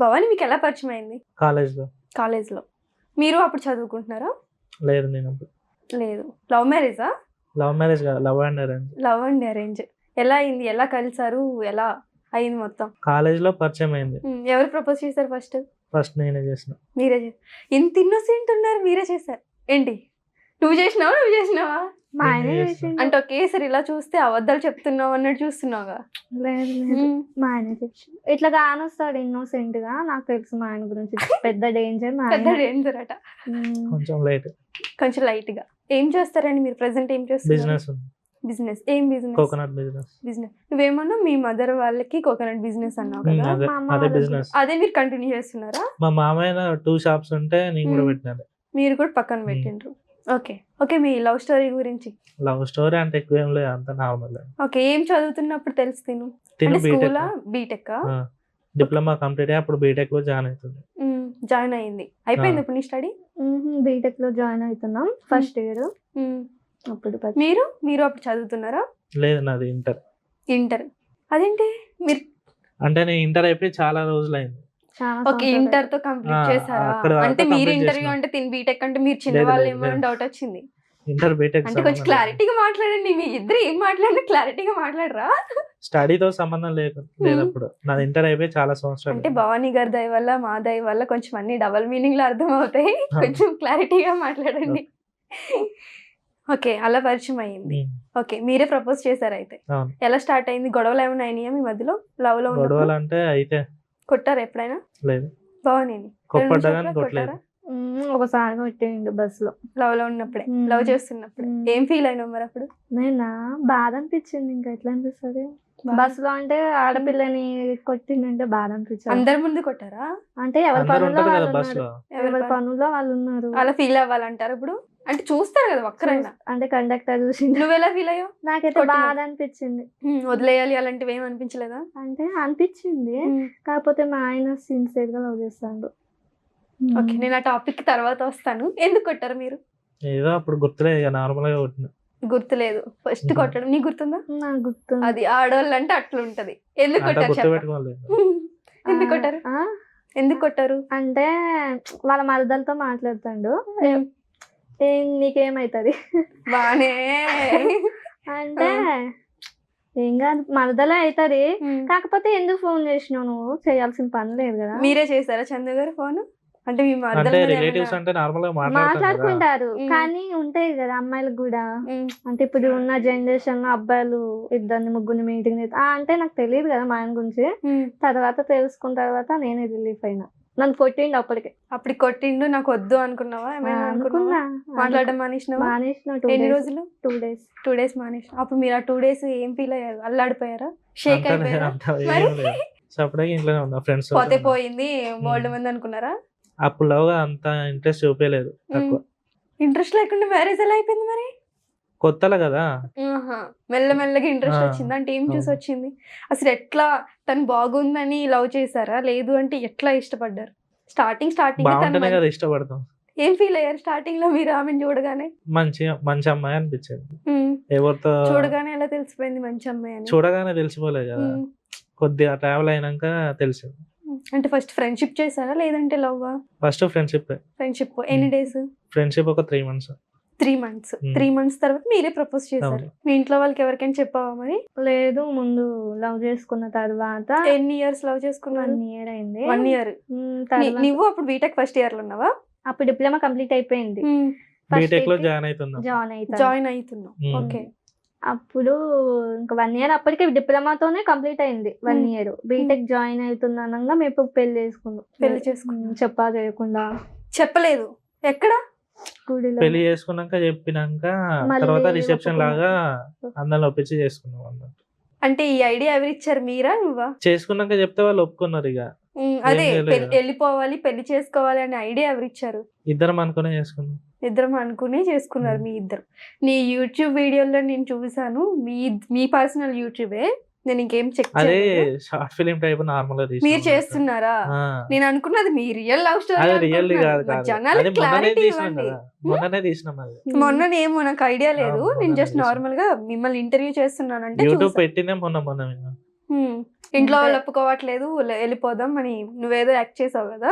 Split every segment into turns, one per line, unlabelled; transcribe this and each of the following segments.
భవాని మీకు ఎలా పరిచయం అయింది?
కాలేజ్‌లో.
కాలేజ్‌లో. మీరు అప్పుడు చదువుకుంటున్నారా?
లేదు నేను అప్పుడు.
లేదు. లవ్ మ్యారేజా?
లవ్ మ్యారేజ్ కాదు. Love and arrange.
Love and arrange. ఎలా అయింది? ఎలా కలిసారు? ఎలా అయింది మొత్తం?
కాలేజ్‌లో పరిచయం అయింది.
ఎవరు ప్రపోజ్ చేశారు ఫస్ట్?
ఫస్ట్ నేనే చేసిన.
మీరే ఇంత ఇన్నోసెంట్ ఉన్నారు, మీరే చేశారు ఏంటి? నువ్వు చేసినావా? నువ్వు చేసినావా?
మా ఆయన చేసిండు.
అంటే ఒకేసారి ఇలా చూస్తే అబద్ధాలు చెప్తున్నావు అన్నట్టు చూస్తున్నావుగా.
లేదు లేదు, మా ఆయన చేసిండు. ఇట్లా కానొస్తాడు ఇన్నోసెంట్ గా. నాకు తెలుసు మా ఆయన గురించి. పెద్ద డేంజర్ మా
పెద్ద
ఆయన.
డేంజర్ అట.
కొంచెం లైట్.
కొంచెం లైట్ గా. ఏం చేస్తారండి మీరు? ప్రెసెంట్ ఏం చేస్తారు?
బిజినెస్ ఉంది.
బిజినెస్. ఏం బిజినెస్?
Coconut business.
బిజినెస్. నువ్వేమన్నా మీ మదర్ వాళ్ళకి కోకోనట్ బిజినెస్ అన్నావు కదా,
అదే
మా అమ్మ
అదే
వాళ్ళ
బిజినెస్.
అదే మీరు కంటిన్యూ చేస్తున్నారా?
మా మామయ్య 2 షాప్స్ ఉంటే నేను కూడా పెట్టినాను.
మీరు కూడా పక్కన పెట్టిండ్రు. Okay okay. మీ లవ్ స్టోరీ గురించి.
లవ్ స్టోరీ అంటే ఎక్కువ ఏం లేదు, అంత నార్మల్.
ఓకే. ఏం చదువుతున్నప్పుడు తెలుసు తిను?
తిను
అంటే స్కూలా? బీటెక్?
డిప్లొమా కంప్లీట్ అయ్యి అప్పుడు బీటెక్ లో జాయిన్ అవుతుంది.
జాయిన్ అయింది. అయిపోయింది ఇప్పుడు నీ స్టడీ?
బీటెక్ లో జాయిన్ అవుతున్నాం ఫస్ట్ ఇయర్. అప్పుడు
మీరు అప్పుడు చదువుతున్నారా?
లేదు నాది ఇంటర్.
ఇంటర్. అదేంటి మీరు?
అంటే నేను ఇంటర్ అయిపోయి చాలా రోజులు అయింది.
ఓకే. ఇంటర్ తో కంప్లీట్ చేశారా? అంటే మీరు ఇంటర్వ్యూ అంటే తిని బీటెక్ అంటే మీరు చిన్న వాళ్ళు ఏమో డౌట్ వచ్చింది.
ఇంటర్ బీటెక్
అంటే కొంచెం క్లారిటీగా మాట్లాడండి. మీ ఇద్దరు ఏం మాట్లాడినా క్లారిటీగా మాట్లాడరా?
స్టడీతో సంబంధం లేదు అప్పుడు. నాది ఇంటర్ అయిపోయి చాలా సంవత్సరాలు.
అంటే భవానీ గారి దయ వల్ల మా దయ వల్ల కొంచెం అన్ని డబల్ మీనింగ్ లో అర్థం అవుతాయి. కొంచెం క్లారిటీగా మాట్లాడండి. ఓకే. అలా పరిచయం అయ్యింది. ఓకే. మీరే ప్రపోజ్ చేశారు అయితే. ఎలా స్టార్ట్ అయింది? గొడవలు ఏమైనా అయినాయా మీ మధ్యలో? లవ్ లో
గొడవలు అంటే అయితే
కొట్టారా ఎప్పుడైనా?
లేదు.
భవానీ
కొట్టలేదు.
ఒకసారి కొట్టిండు బస్ లో.
లవ్ లో ఉన్నప్పుడే, లవ్ చేస్తున్నప్పుడు. ఏం ఫీల్ అయినావు మరి అప్పుడు?
నేనా బాధ అనిపించింది. ఇంకా ఎట్లా అనిపిస్తుంది బస్ లో అంటే ఆడపిల్లని కొట్టిందంటే బాధ అనిపించింది.
అందరి ముందు కొట్టారా?
అంటే ఎవరి పనుల్లో వాళ్ళు
బస్
ఉన్నారు.
లో
ఎవరి పనుల్లో వాళ్ళు ఉన్నారు.
అలా ఫీల్ అవ్వాలంటారు ఇప్పుడు? అంటే చూస్తారు కదా ఒక్కరైనా.
అంటే కండక్టర్ చూసి
నువ్వెలా ఫీల్ అయ్యావు?
నాకైతే బాధ అనిపించింది.
వదిలేయాలి అలాంటివి ఏమి అనిపించలేదా?
అంటే అనిపించింది, కాకపోతే మా ఆయన సిన్సియర్ గా లవ్ చేస్తాడు.
ఓకే. నేను ఆ టాపిక్ తర్వాత వస్తాను. ఎందుకు కొట్టారు మీరు?
ఏదో అప్పుడు గుర్తులేదు, ఇక నార్మల్ గా కొట్టిన.
గుర్తులేదు ఫస్ట్ కొట్టడం. నీకు గుర్తుందా?
నాకు గుర్తు.
అది ఆడవాళ్ళు అంటే అట్లుంటది. ఎందుకు కొట్టారు? ఎందుకు కొట్టారు? ఎందుకు కొట్టారు?
అంటే వాళ్ళ మరదలతో మాట్లాడుతాడు. నీకేమైతుంది
బానే
అంటే ఏం కాదు, మరదలే అవుతుంది. కాకపోతే ఎందుకు ఫోన్ చేసినావు? నువ్వు చేయాల్సిన పని లేదు కదా.
మీరే చేశారా చందు గారు ఫోన్? అంటే మీ
రిలేటివ్స్ అంటే నార్మల్ గా
మాట్లాడుకుంటారు, కానీ ఉంటాయి కదా అమ్మాయిలకు కూడా. అంటే ఇప్పుడు ఉన్న జనరేషన్ లో అబ్బాయిలు 2-3 మీటింగ్ అంటే నాకు తెలియదు కదా మా ఆయన గురించి. తర్వాత తెలుసుకున్న తర్వాత నేనే రిలీఫ్ అయినా. నన్ను కొట్టిండు అప్పటికి
కొట్టిండు. నాకు వద్దు అనుకున్నావా?
అనుకున్నా.
మాట్లాడడం మానేసిన. ఎన్ని రోజులు?
2 days.
2 days మానేసిన. అప్పుడు మీరు ఆ 2 days ఏం ఫీల్ అయ్యారు? అల్లాడిపోయారా? షేక్ అయిపోయారా? పోతే పోయింది బోల్డ్ మంది అనుకున్నారా?
అప్పుడు లవ్ అంత ఇంట్రెస్ట్ చూపించలేదు.
ఇంట్రెస్ట్ లేకుండా మ్యారేజ్ ఎలా అయిపోయింది మరి?
కొత్తలో కదా.
మెల్లమెల్లగా ఇంట్రెస్ట్ వచ్చింది. అంటే ఏం చూసి వచ్చింది? అసలు ఎట్లా తను బాగుందని లవ్ చేశారా? లేదు అంటే ఎట్లా ఇష్టపడ్డారు? స్టార్టింగ్
కదా ఇష్టపడతాం.
ఏం ఫీల్ అయ్యారు స్టార్టింగ్ లో మీరు ఆమెను చూడగానే?
మంచి అమ్మాయి అనిపించింది.
ఎవరితో చూడగానే ఎలా తెలిసిపోయింది మంచి అమ్మాయి అని?
చూడగానే తెలిసిపోలేదు కదా, కొద్దిగా ట్రావెల్ అయినాక తెలిసింది.
అంటే ఫస్ట్ ఫ్రెండ్షిప్ చేశారా లేదంటే లవ్?
First friendship.
ఎన్ని డేస్
ఫ్రెండ్షిప్? ఒక 3 months.
3 months తర్వాత మీరే ప్రపోజ్ చేశారు. మీ ఇంట్లో వాళ్ళకి ఎవరికైనా చెప్పావా మరి?
లేదు, ముందు లవ్ చేసుకున్న తర్వాత.
ఎన్ని ఇయర్స్ లవ్ చేసుకున్నాను?
1 year అయింది.
1 year. నువ్వు అప్పుడు బీటెక్ ఫస్ట్ ఇయర్ లో ఉన్నావా?
అప్పుడు డిప్లొమా కంప్లీట్ అయిపోయింది.
బీటెక్ లో
జాయిన్ అవుతున్నావు. ఓకే.
అప్పుడు ఇంకా 1 year అప్పటికే డిప్లొమాతోనే కంప్లీట్ అయింది. 1 year బీటెక్ జాయిన్ అవుతున్నానంగా మేము పెళ్లి చేసుకున్నాం. చెప్పా చేయకుండా.
చెప్పలేదు? ఎక్కడ?
పెళ్లి చేసుకున్నాక చెప్పినాక తర్వాత రిసెప్షన్ లాగా అందరిని ఒప్పించి చేసుకున్నాం అన్నట్టు.
అంటే ఈ ఐడియా ఎవరు ఇచ్చారు? మీరా నువ్వా?
చేసుకున్నాక చెప్తే వాళ్ళు ఒప్పుకున్నారు. ఇక
అదే వెళ్ళిపోవాలి పెళ్లి చేసుకోవాలి అనే ఐడియా ఎవరు ఇచ్చారు?
ఇద్దరం అనుకునే చేసుకున్నాం.
ఇద్దరం అనుకుని చేసుకున్నారు మీ ఇద్దరు. నీ యూట్యూబ్ వీడియోలో నేను చూసాను, మీ పర్సనల్ యూట్యూబే. నేను ఇంకేం చెక్
అదే షార్ట్ ఫిలిం టైప్ నార్మల్ గా
మీరు చేస్తున్నారా? నేను అనుకున్నది మీ రియల్ లవ్ స్టోరీ. మొన్ననేమో నాకు ఐడియా లేదు. నేను జస్ట్ నార్మల్ గా మిమ్మల్ని ఇంటర్వ్యూ చేస్తున్నాను. అంటే
యూట్యూబ్ పెట్టినే మొన్న
ఇంట్లో వాళ్ళు ఒప్పుకోవట్లేదు వెళ్ళిపోదాం అని నువ్వేదో యాక్ట్ చేసావు కదా.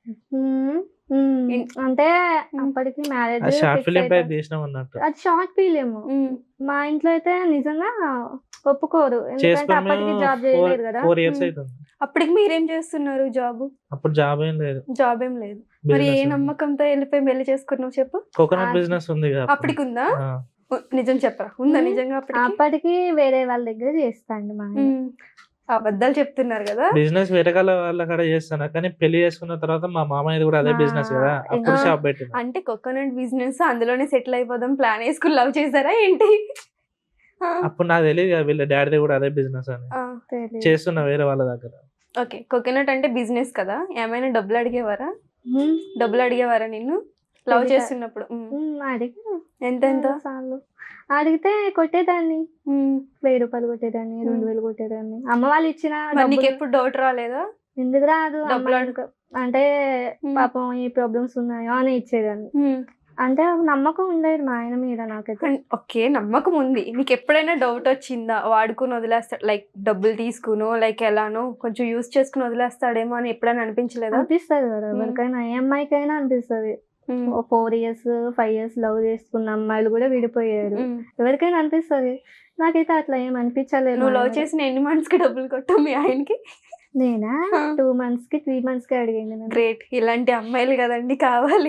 అంటే అప్పటికి మ్యారేజ్
షార్ట్ ఫిలిం టైప్ చేసినాం అన్నట్టు.
అది షార్ట్ ఫిలిం. మా ఇంట్లో అయితే నిజంగా ఒప్పుకోరు, ఎందుకంటే అప్పటికి జాబ్ చేయలేదు కదా.
4 years అవుతుంది.
అప్పటికి మీరేం చేస్తున్నారు జాబ్?
అప్పుడు జాబ్ ఏం లేదు.
జాబ్ ఏం లేదు. మరి ఏ నమ్మకంతో వెళ్ళిపోయి పెళ్లి చేసుకున్నావు చెప్పు?
కోకోనట్ బిజినెస్ ఉంది కదా
అప్పటికి ఉందా? నిజం చెప్పరా, ఉందా నిజంగా?
అప్పటికి వేరే వాళ్ళ దగ్గర చేస్తాండి మా ఆయన.
అబద్ధాలు చెప్తున్నారు కదా.
బిజినెస్ వేరే వాళ్ళ కాడ చేస్తాను, కానీ పెళ్లి చేసుకున్న తర్వాత మా మామయ్య కూడా అదే బిజినెస్ కదా, అప్పుడు షాప్ పెట్టింది.
అంటే కోకోనట్ బిజినెస్ అందులోనే సెటిల్ అయిపోదాం ప్లాన్ వేసుకుని లవ్ చేశారా ఏంటి?
అప్పుడు నాకు తెలియదు కదా వీళ్ళ డాడీ కూడా అదే బిజినెస్ అని చేస్తున్నా వేరే వాళ్ళ దగ్గర.
ఓకే, కోకోనట్ అంటే బిజినెస్ కదా, ఏమైనా డబ్బులు అడిగేవారా? డబ్బులు అడిగేవారా నిన్ను లవ్ చేస్తున్నప్పుడు? ఎంత ఎంత
అడిగితే కొట్టేదాన్ని. 1000 రూపాయలు కొట్టేదాన్ని, 2000 కొట్టేదాన్ని. అమ్మ వాళ్ళు ఇచ్చిన.
నీకు ఎప్పుడు డౌట్ రాలేదా?
ఎందుకు రాదు, అంటే పాపం ఈ ప్రాబ్లమ్స్ ఉన్నాయో అని ఇచ్చేదాన్ని. అంటే నమ్మకం ఉండేది మా ఆయన మీద నాకైతే.
ఓకే, నమ్మకం ఉంది. నీకు ఎప్పుడైనా డౌట్ వచ్చిందా వాడుకుని వదిలేస్తాడు, లైక్ డబ్బులు తీసుకునో లైక్ ఎలానో కొంచెం యూజ్ చేసుకుని వదిలేస్తాడేమో అని ఎప్పుడైనా అనిపించలేదా?
అనిపిస్తుంది కదా ఎవరికైనా, ఏ అమ్మాయికైనా అనిపిస్తుంది. 4 years 5 years లవ్ చేసుకున్న అమ్మాయిలు కూడా విడిపోయారు, ఎవరికైనా అనిపిస్తుంది. నాకైతే అట్లా ఏం అనిపించలేదు.
నువ్వు లవ్ చేసిన ఎన్ని మంత్స్ కి డబ్బులు కొట్టావు మీ ఆయనకి?
నేనా 2 months కి 3 months కి అడిగాను.
గ్రేట్, ఇలాంటి అమ్మాయిలు కదండి కావాలి.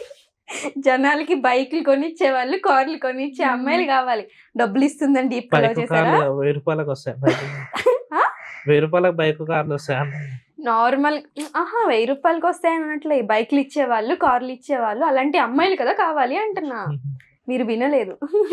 జనాలకి బైక్లు కొనిచ్చే వాళ్ళు, కార్లు కొనిచ్చే అమ్మాయిలు కావాలి. డబ్బులు ఇస్తుందండి.
1000 రూపాయలకు వస్తాయి, 1000 రూపాయలకు బైక్ కార్లు వస్తాయి
నార్మల్. 1000 రూపాయలకి వస్తాయి అన్నట్లే, బైక్లు ఇచ్చేవాళ్ళు, కార్లు ఇచ్చేవాళ్ళు, అలాంటి అమ్మాయిలు కదా కావాలి అంటున్నా. మీరు వినలేదు.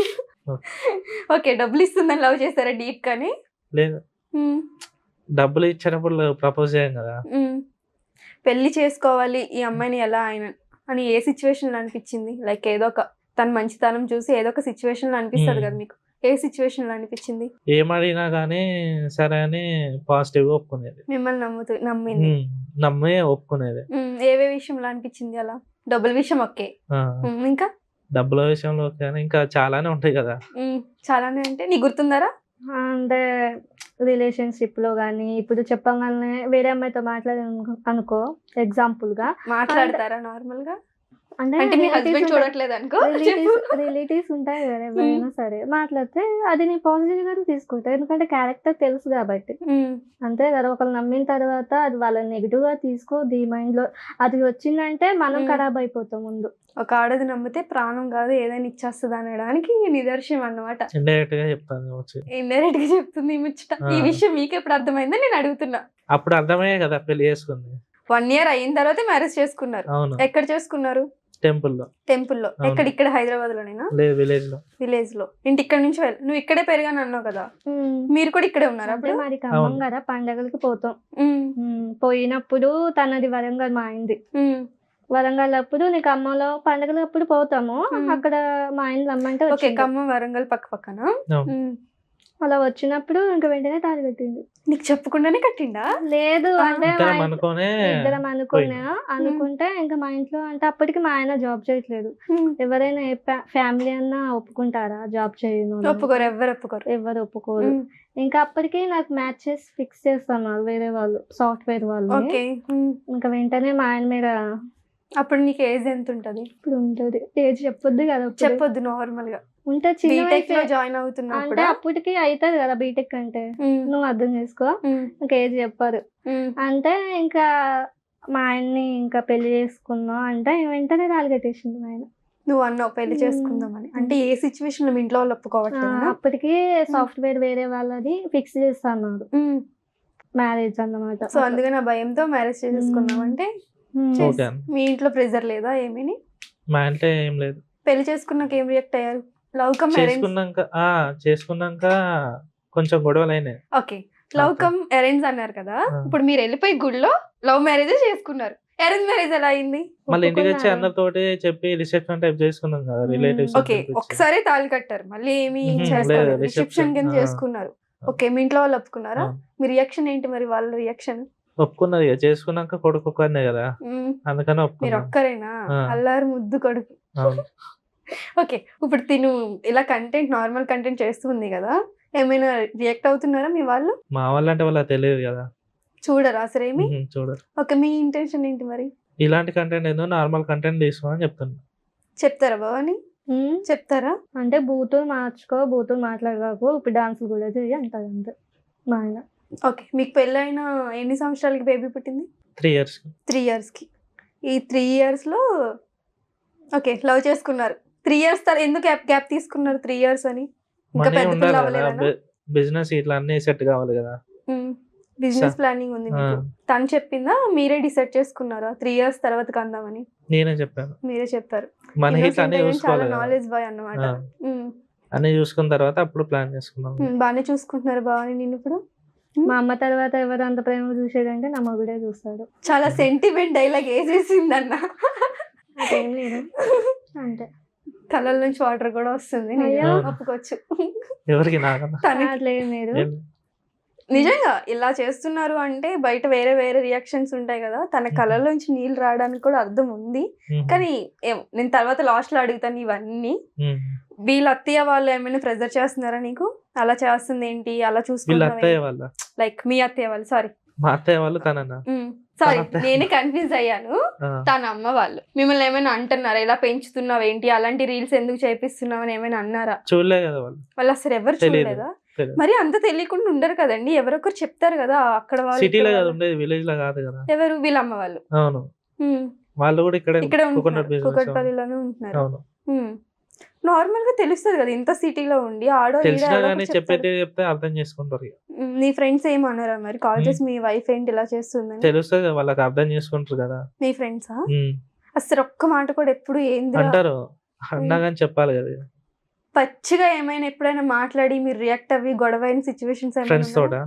ఓకే, డబ్బులు ఇస్తుందని లవ్ చేస్తారా డీప్ కానీ?
లేదు, డబ్బులు ఇచ్చినప్పుడు ప్రపోజ్ చేయం కదా.
పెళ్లి చేసుకోవాలి ఈ అమ్మాయిని ఎలా ఆయన అని ఏ సిచ్యువేషన్ లో అనిపించింది? లైక్ ఏదో ఒక తన మంచితనం చూసి ఏదో ఒక సిచ్యువేషన్ లో అనిపిస్తుంది కదా మీకు, ఏ సిచ్యువేషన్ లో అనిపించింది?
ఏమడిగినా గానీ సరే అని పాజిటివ్ గా ఒప్పుకునేది.
మిమ్మల్ని
నమ్మి ఒప్పుకునేది.
ఏవే విషయంలో అనిపించింది అలా? డబ్బుల విషయం ఓకే, ఇంకా
డబ్బుల విషయంలో ఓకే, ఇంకా చాలానే ఉంటాయి కదా.
చాలానే అంటే నీకు గుర్తుందారా?
అంటే రిలేషన్షిప్ లో గానీ, ఇప్పుడు చెప్పగానే వేరే అమ్మాయితో మాట్లాడే అనుకో, ఎగ్జాంపుల్ గా
మాట్లాడతారా నార్మల్ గా?
అంటే
మీ హస్బెండ్ చూడట్లేదు అనుకో,
రిలేటివ్స్ ఉంటాయి కదా ఎవరైనా సరే, మాట్లాడితే అది నేను పాజిటివ్ గానే తీసుకుంటా, ఎందుకంటే క్యారెక్టర్ తెలుసు కాబట్టి. అంతే కదా, ఒకళ్ళు నమ్మిన తర్వాత అది వాళ్ళని నెగిటివ్ గా తీసుకో, మైండ్ లో అది వచ్చిందంటే మనం ఖరాబ్ అయిపోతాం ముందు.
ఒక ఆడది నమ్మితే ప్రాణం కాదు ఏదైనా ఇచ్చేస్తుంది అనడానికి నిదర్శనం అన్నమాట.
ఇండైరెక్ట్ గా చెప్తాను,
ఇండైరెక్ట్ గా చెప్తుంది ఈ ముచ్చట. ఈ విషయం మీకు ఎప్పుడు అర్థమైందని నేను అడుగుతున్నా.
అప్పుడు అర్థమయ్యే కదా పెళ్లి చేసుకుంది.
1 year అయిన తర్వాత మ్యారేజ్ చేసుకున్నారు. ఎక్కడ చేసుకున్నారు? టెంపుల్లో. ఎక్కడ? ఇక్కడ హైదరాబాద్ లోనేనా? విలేజ్ లో. ఇంటి ఇక్కడ నుంచి నువ్వు ఇక్కడే పెరిగాను అన్నావు కదా, మీరు కూడా ఇక్కడే ఉన్నారా?
అప్పుడు మరి ఖమ్మం కదా, పండగలకి పోతాం. పోయినప్పుడు తనది వరంగల్, మా అయింది వరంగల్. అప్పుడు నీకు ఖమ్మంలో పండగలు అప్పుడు పోతాము, అక్కడ మా ఆయన రమ్మంటే.
ఖమ్మం వరంగల్ పక్క పక్కన.
అలా వచ్చినప్పుడు ఇంకా వెంటనే తాళి కట్టింది.
నీకు చెప్పకుండానే కట్టిండా?
లేదు, అంటే ఇద్దరం అనుకుంటే ఇంకా మా ఇంట్లో, అంటే అప్పటికి మా ఆయన జాబ్ చేయట్లేదు. ఎవరైనా ఫ్యామిలీ అన్నా ఒప్పుకుంటారా జాబ్ చేయను? ఎవరు ఒప్పుకోరు. ఇంకా అప్పటికి నాకు మ్యాచెస్ ఫిక్స్ చేస్తున్నారు వేరే వాళ్ళు, సాఫ్ట్వేర్ వాళ్ళు. ఇంకా వెంటనే మా ఆయన మీద.
అప్పుడు నీకు ఏజ్ ఎంత ఉంటది?
ఇప్పుడు ఉంటది, ఏజ్ చెప్పొద్దు కదా.
చెప్పొద్దు, నార్మల్ గా
ఉంటే
జాయిన్ అవుతున్నా
అంటే అప్పటికి అవుతుంది కదా బీటెక్ అంటే, నువ్వు అర్థం చేసుకో. ఇంకా ఏజ్ చెప్పారు అంటే ఇంకా మా ఆయన్ని ఇంకా పెళ్లి చేసుకున్నావు అంటే వెంటనే తాళి కట్టేసింది మా ఆయన.
నువ్వు అన్నావు పెళ్లి చేసుకుందామని, అంటే ఏ సిచ్యువేషన్ లో మీ ఇంట్లో వాళ్ళు ఒప్పుకోవట్లేదు?
అప్పటికి సాఫ్ట్వేర్ వేరే వాళ్ళది ఫిక్స్ చేస్తున్నారు మ్యారేజ్ అన్నమాట.
సో అందుకని ఆ భయంతో మ్యారేజ్ చేసుకున్నావు. అంటే మీ ఇంట్లో ప్రెజర్ లేదా ఏమీ?
మా ఇంట్లో ఏం లేదు.
పెళ్లి చేసుకున్నాక ఏం రియాక్ట్ అయ్యారు? లవ్ కమ్
చేసుకున్నాక కొంచెం గొడవలు అయినాయి.
ఓకే, లవ్ కమ్ అరేంజ్ అన్నారు కదా, ఇప్పుడు మీరు వెళ్ళిపోయి గుడిలో లవ్ మ్యారేజ్ చేసుకున్నారు, అరేంజ్ మ్యారేజ్ ఎలా అయింది?
మళ్ళీ ఇంటికి వచ్చి అందరితోటి చెప్పి రిసెప్షన్ టైప్ చేసుకున్నాం కదా రిలేటివ్స్.
ఓకే, ఒకసారి తాళి కట్టారు, మళ్ళీ ఏమి రిసెప్షన్ కింద చేసుకున్నారు. ఓకే, మీ ఇంట్లో వాళ్ళు ఒప్పుకున్నారా? మీ రియాక్షన్ ఏంటి మరి? వాళ్ళ రియాక్షన్?
ఒప్పుకున్నది, చేసుకున్నాక కొడుకు ఒక్కనే కదా, అందుకని
మీరు ఒక్కరేనా? అల్లారు ముద్దు కొడుకు. ఓకే, ఇప్పుడు తిను ఇలా కంటెంట్ నార్మల్ కంటెంట్ చేస్తుంది కదా, ఏమైనా రియాక్ట్ అవుతున్నారా మీ వాళ్ళు?
మా వాళ్ళంటే వాళ్ళకి తెలియదు కదా.
చూడరా అసలు ఏమి?
చూడరు.
ఓకే, మీ ఇంటెన్షన్ ఏంటి మరి?
ఇలాంటి కంటెంట్ ఏదో నార్మల్ కంటెంట్ తీసుకోమని చెప్తున్నా.
చెప్తారా భవాని? చెప్తారా?
అంటే బూతులు మార్చుకో, బూతులు మాట్లాడకు, ఇప్పుడు డాన్సులు కూడా చెయ్యి అంటారు అంతే మా ఆయన.
ఓకే, మీకు పెళ్ళైన ఎన్ని సంవత్సరాలకి బేబీ పుట్టింది?
3 years.
3 yearsకి. ఈ 3 yearsలో ఓకే లవ్ చేసుకున్నారు. 3 years తర్వాత ఎందుకు గ్యాప్ తీసుకున్నారు 3 years అని? ఇంకా
మనీ
పెద్ద
ఉండాలి
పిల్ల
కదా,
అవ్వలేదనా?
బిజినెస్ ఇట్లా అన్ని సెట్ కావాలి కదా.
బిజినెస్ ప్లానింగ్ ఉంది మీకు. తను చెప్పిందా మీరే డిసైడ్ చేసుకున్నారా 3 years తర్వాత కందామని?
నేనే చెప్పాను.
మీరే చెప్పారు.
మన హిట్
Innocent
అన్ని
అయినా చాలా
చూసుకోవాలి కదా.
నాలెడ్జ్ బాయ్ అన్నమాట.
అన్ని చూసుకున్న తర్వాత అప్పుడు ప్లాన్ చేసుకున్నాం.
బాగానే చూసుకుంటున్నారు భవాని నేను ఇప్పుడు.
మా అమ్మ తర్వాత ఎవరు అంత ప్రేమ చూసేదంటే నా మగుడే చూస్తాడు.
చాలా సెంటిమెంట్ డైలాగ్ వేసేసిందన్న.
అదేం లేదు అంతే.
కళ్ళ నుంచి వాటర్ కూడా వస్తుంది.
అయ్యో.
ఒప్పుకోవచ్చు.
ఎవరికి నాకన్నా
తనకి
అట్లేదు మీరు.
నిజంగా ఇలా చేస్తున్నారు అంటే బయట వేరే వేరే రియాక్షన్స్ ఉంటాయి కదా. తన కళ్ళలోంచి నీళ్ళు రావడానికి కూడా అర్థం ఉంది. కానీ నేను తర్వాత లాస్ట్ లో అడుగుతాను ఇవన్నీ. వీళ్ళ అత్తయ్య వాళ్ళు ఏమైనా ప్రెజర్ చేస్తున్నారా నీకు? అలా చేస్తుంది ఏంటి, అలా
వీళ్ళ
చూసుకుంటున్నావా?
అత్తయ్య వాళ్ళ
లైక్ మీ అత్తయ్య వాళ్ళు, సారీ
మా అత్తయ్య వాళ్ళు తనన్నా.
సారీ
అత్తయ్య.
నేనే కన్ఫ్యూజ్ అయ్యాను. తన అమ్మ వాళ్ళు మిమ్మల్ని ఏమైనా అంటున్నారా? ఇలా పెంచుతున్నావు ఏంటి, అలాంటి రీల్స్ ఎందుకు చేపిస్తున్నావు అని ఏమైనా అన్నారా?
చూడలే కదా వాళ్ళు.
వాళ్ళు అసలు ఎవరు
తెలీదు.
చూడలేదా?
తెలీదు.
మరి అంత తెలియకుండా ఉండరు కదండి, ఎవరొకరు చెప్తారు కదా అక్కడ వాళ్ళు
సిటీలో
ఇక్కడ
కదా
వాళ్ళు.
ఉండేది, విలేజ్ లో కాదు కదా.
ఎవరు? వీళ్ళ అమ్మ వాళ్ళు.
అవును,
ఉమ్.
వాళ్ళు కూడా
ఇక్కడే
కోకోనట్
ఉంటున్నారు,
బిజినెస్.
కూకట్పల్లిలోనే ఉంటున్నారు.
అవును,
నార్మల్ గా తెలుస్తుంది కదా ఇంత సిటీలో ఉండి ఆడో ఈడో
తెలిసినా
ఎవరో
కానీ
ఒకరు చెప్తారు.
చెప్తే అర్థం చేసుకుంటారు ఇక.
నీ ఫ్రెండ్స్ ఏమన్నారా మరి కాల్ చేసి మీ వైఫ్ ఏంటి ఇలా చేస్తుందని?
తెలుస్తుంది కదా, వాళ్ళకి అర్థం చేసుకుంటారు కదా.
మీ ఫ్రెండ్సా?
ఉమ్.
అసలు ఒక్క మాట కూడా ఎప్పుడు ఏంది
అంటారు, అన్నా కానీ చెప్పాలి కదా.
పచ్చిగా ఏమైనా ఎప్పుడైనా మాట్లాడి మీరు రియాక్ట్ అవ్వి గొడవ అయిన సిచ్యువేషన్స్
ఫ్రెండ్స్ తోట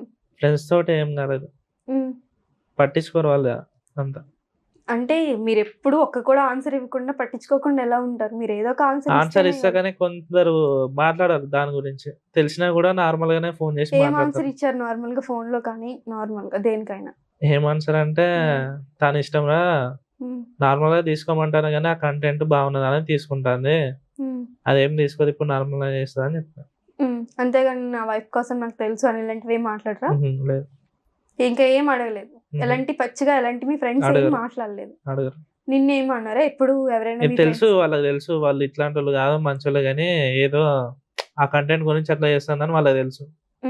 ఏం కాలేదు, పట్టించుకోరు వాళ్ళు అంతా.
అంటే మీరు ఎప్పుడు ఒక్క కూడా ఆన్సర్ ఇవ్వకుండా పట్టించుకోకుండా ఎలా ఉంటారు? మీరు ఏదో ఒక
ఆన్సర్ ఇస్తా కానీ కొందరు మాట్లాడారు దాని గురించి, తెలిసినా కూడా నార్మల్ గానే ఫోన్ చేసి
ఏం ఆన్సర్
మాట్లాడతారు.
ఇచ్చారు నార్మల్ గా ఫోన్ లో కానీ నార్మల్ గా దేనికైనా?
ఏం ఆన్సర్ అంటే తన ఇష్టం రా, నార్మల్ గా తీసుకోమంటాను కానీ ఆ కంటెంట్ బాగున్నదని తీసుకుంటాంది, అదేం తీసుకోదు ఇప్పుడు నార్మల్ గా చేస్తుంది అని చెప్పాను.
అంతేగాని నా వైఫ్ కోసం నాకు తెలుసు అని ఇలాంటివి ఏం మాట్లాడరా?
లేదు,
ఇంకా ఏం అడగలేదు. ఎలాంటి పచ్చిగా ఎలాంటి మీ ఫ్రెండ్స్ ఏం
అడగరు.
మాట్లాడలేదు.
అడగరు.
నిన్నేం అన్నారా ఎప్పుడు ఎవరైనా?
ఇది తెలుసు, వాళ్ళకి తెలుసు వాళ్ళు ఇట్లాంటి వాళ్ళు కాదు మంచోళ్ళు, కానీ ఏదో ఆ కంటెంట్ గురించి అట్లా చేస్తుందని వాళ్ళకి తెలుసు.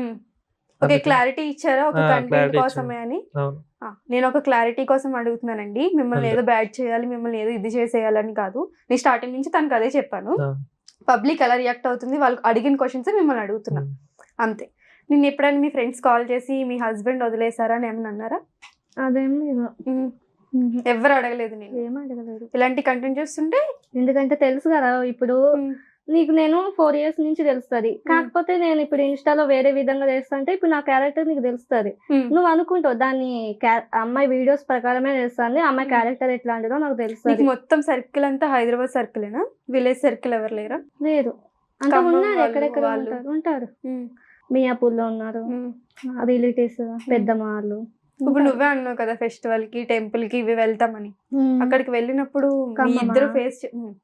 ఓకే, క్లారిటీ ఇచ్చారా ఒక
ఆ,
కంటెంట్
clarity
కోసమే అని?
అవును.
నేను ఒక క్లారిటీ కోసం అడుగుతున్నానండి, మిమ్మల్ని
అంతే.
ఏదో బ్యాడ్ చేయాలి, మిమ్మల్ని ఏదో ఇది చేసేయాలని కాదు. నేను స్టార్టింగ్ నుంచి తనకు అదే చెప్పాను.
ఆ.
పబ్లిక్ ఎలా రియాక్ట్ అవుతుంది, వాళ్ళు అడిగిన క్వశ్చన్స్ మిమ్మల్ని అడుగుతున్నా అంతే. నిన్న ఎప్పుడైనా మీ ఫ్రెండ్స్ కాల్ చేసి మీ హస్బెండ్ వదిలేసారా అని ఏమన్నా అన్నారా?
అదేం లేదు,
ఎవరు అడగలేదు నేను
ఏం అడగలేదు.
ఇలాంటి కంటెంట్ చేస్తుంటే.
ఎందుకంటే తెలుసు కదా ఇప్పుడు నీకు నేను 4 years నుంచి తెలుస్తుంది. కాకపోతే నేను ఇప్పుడు ఇన్స్టాలో వేరే విధంగా చేస్తుంటే ఇప్పుడు నా క్యారెక్టర్ నీకు తెలుస్తుంది. నువ్వు అనుకుంటావు దాన్ని అమ్మాయి వీడియోస్ ప్రకారమే చేస్తాను, అమ్మాయి క్యారెక్టర్ ఎట్లాంటిదో నాకు తెలుస్తుంది.
మొత్తం సర్కిల్ అంతా హైదరాబాద్ సర్కిలేనా? విలేజ్ సర్కిల్ ఎవరు లేరా?
లేదు అంటే
ఖమ్మం
ఉన్నారు,
వాళ్ళు,
ఎక్కడెక్కడ
వాళ్ళు.
ఉంటారు. మియాపూర్లో ఉన్నారు రిలేటివ్స్, పెద్దమ్మ వాళ్ళు.
ఇప్పుడు నువ్వే అన్నావు కదా ఫెస్టివల్ కి టెంపుల్ కి ఇవి వెళ్తామని. అక్కడికి వెళ్ళినప్పుడు మీ
ఖమ్మమా?
ఇద్దరు ఫేస్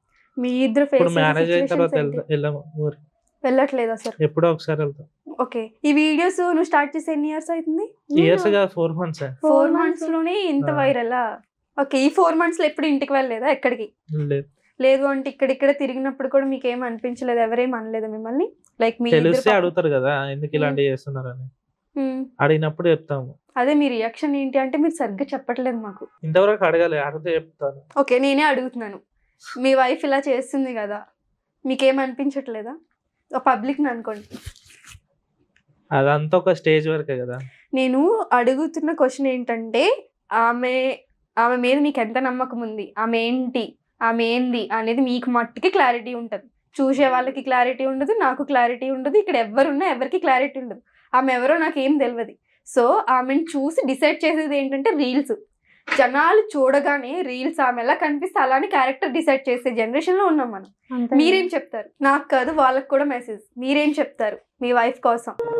ఇప్పుడు మ్యారేజ్ అయిన తర్వాత వెళ్ళాము ఊరికి,
వెళ్ళట్లేదు అసలు.
ఎప్పుడో ఒకసారి వెళ్తాం.
ఓకే, ఈ వీడియోస్ నువ్వు స్టార్ట్ చేసి ఎన్ని ఇయర్స్ అవుతుంది?
ఇయర్స్ గా 4 months.
4 months లోనే ఇంత
ఆ.
వైరల్? ఓకే, ఈ 4 months లో ఎప్పుడు ఇంటికి వెళ్ళలేదా ఎక్కడికి?
లేదు,
లేదు అంటే ఇక్కడ తిరిగినప్పుడు కూడా మీకు ఏం అనిపించలేదు? ఎవరేం అనలేదు మిమ్మల్ని? లైక్ మీ
తెలిస్తే అడుగుతారు కదా ఎందుకు ఇలాంటివి చేస్తున్నారని, అడిగినప్పుడు చెప్తాము.
అదే మీ రియాక్షన్ ఏంటి అంటే మీరు సరిగ్గా చెప్పట్లేదు మాకు.
ఇంతవరకు అడగాలి, అడిగితే చెప్తాను.
ఓకే, నేనే అడుగుతున్నాను, మీ వైఫ్ ఇలా చేస్తుంది కదా మీకేం అనిపించట్లేదా? పబ్లిక్ అనుకోండి,
అదంతా ఒక స్టేజ్ వరకే కదా.
నేను అడుగుతున్న క్వశ్చన్ ఏంటంటే ఆమె మీద మీకు ఎంత నమ్మకం ఉంది, ఆమె ఏంది అనేది మీకు మట్టుకి క్లారిటీ ఉంటుంది. చూసే వాళ్ళకి క్లారిటీ ఉండదు, నాకు క్లారిటీ ఉండదు, ఇక్కడ ఎవరున్నా ఎవరికి క్లారిటీ ఉండదు. ఆమె ఎవరో నాకు ఏం తెలియదు. సో ఆమెను చూసి డిసైడ్ చేసేది ఏంటంటే రీల్స్. జనాలు చూడగానే రీల్స్ ఆమె ఎలా కనిపిస్తే అలానే క్యారెక్టర్ డిసైడ్ చేసే జనరేషన్ లో ఉన్నాం మనం. మీరేం చెప్తారు? నాకు కాదు వాళ్ళకి కూడా మెసేజ్, మీరేం చెప్తారు మీ వైఫ్ కోసం?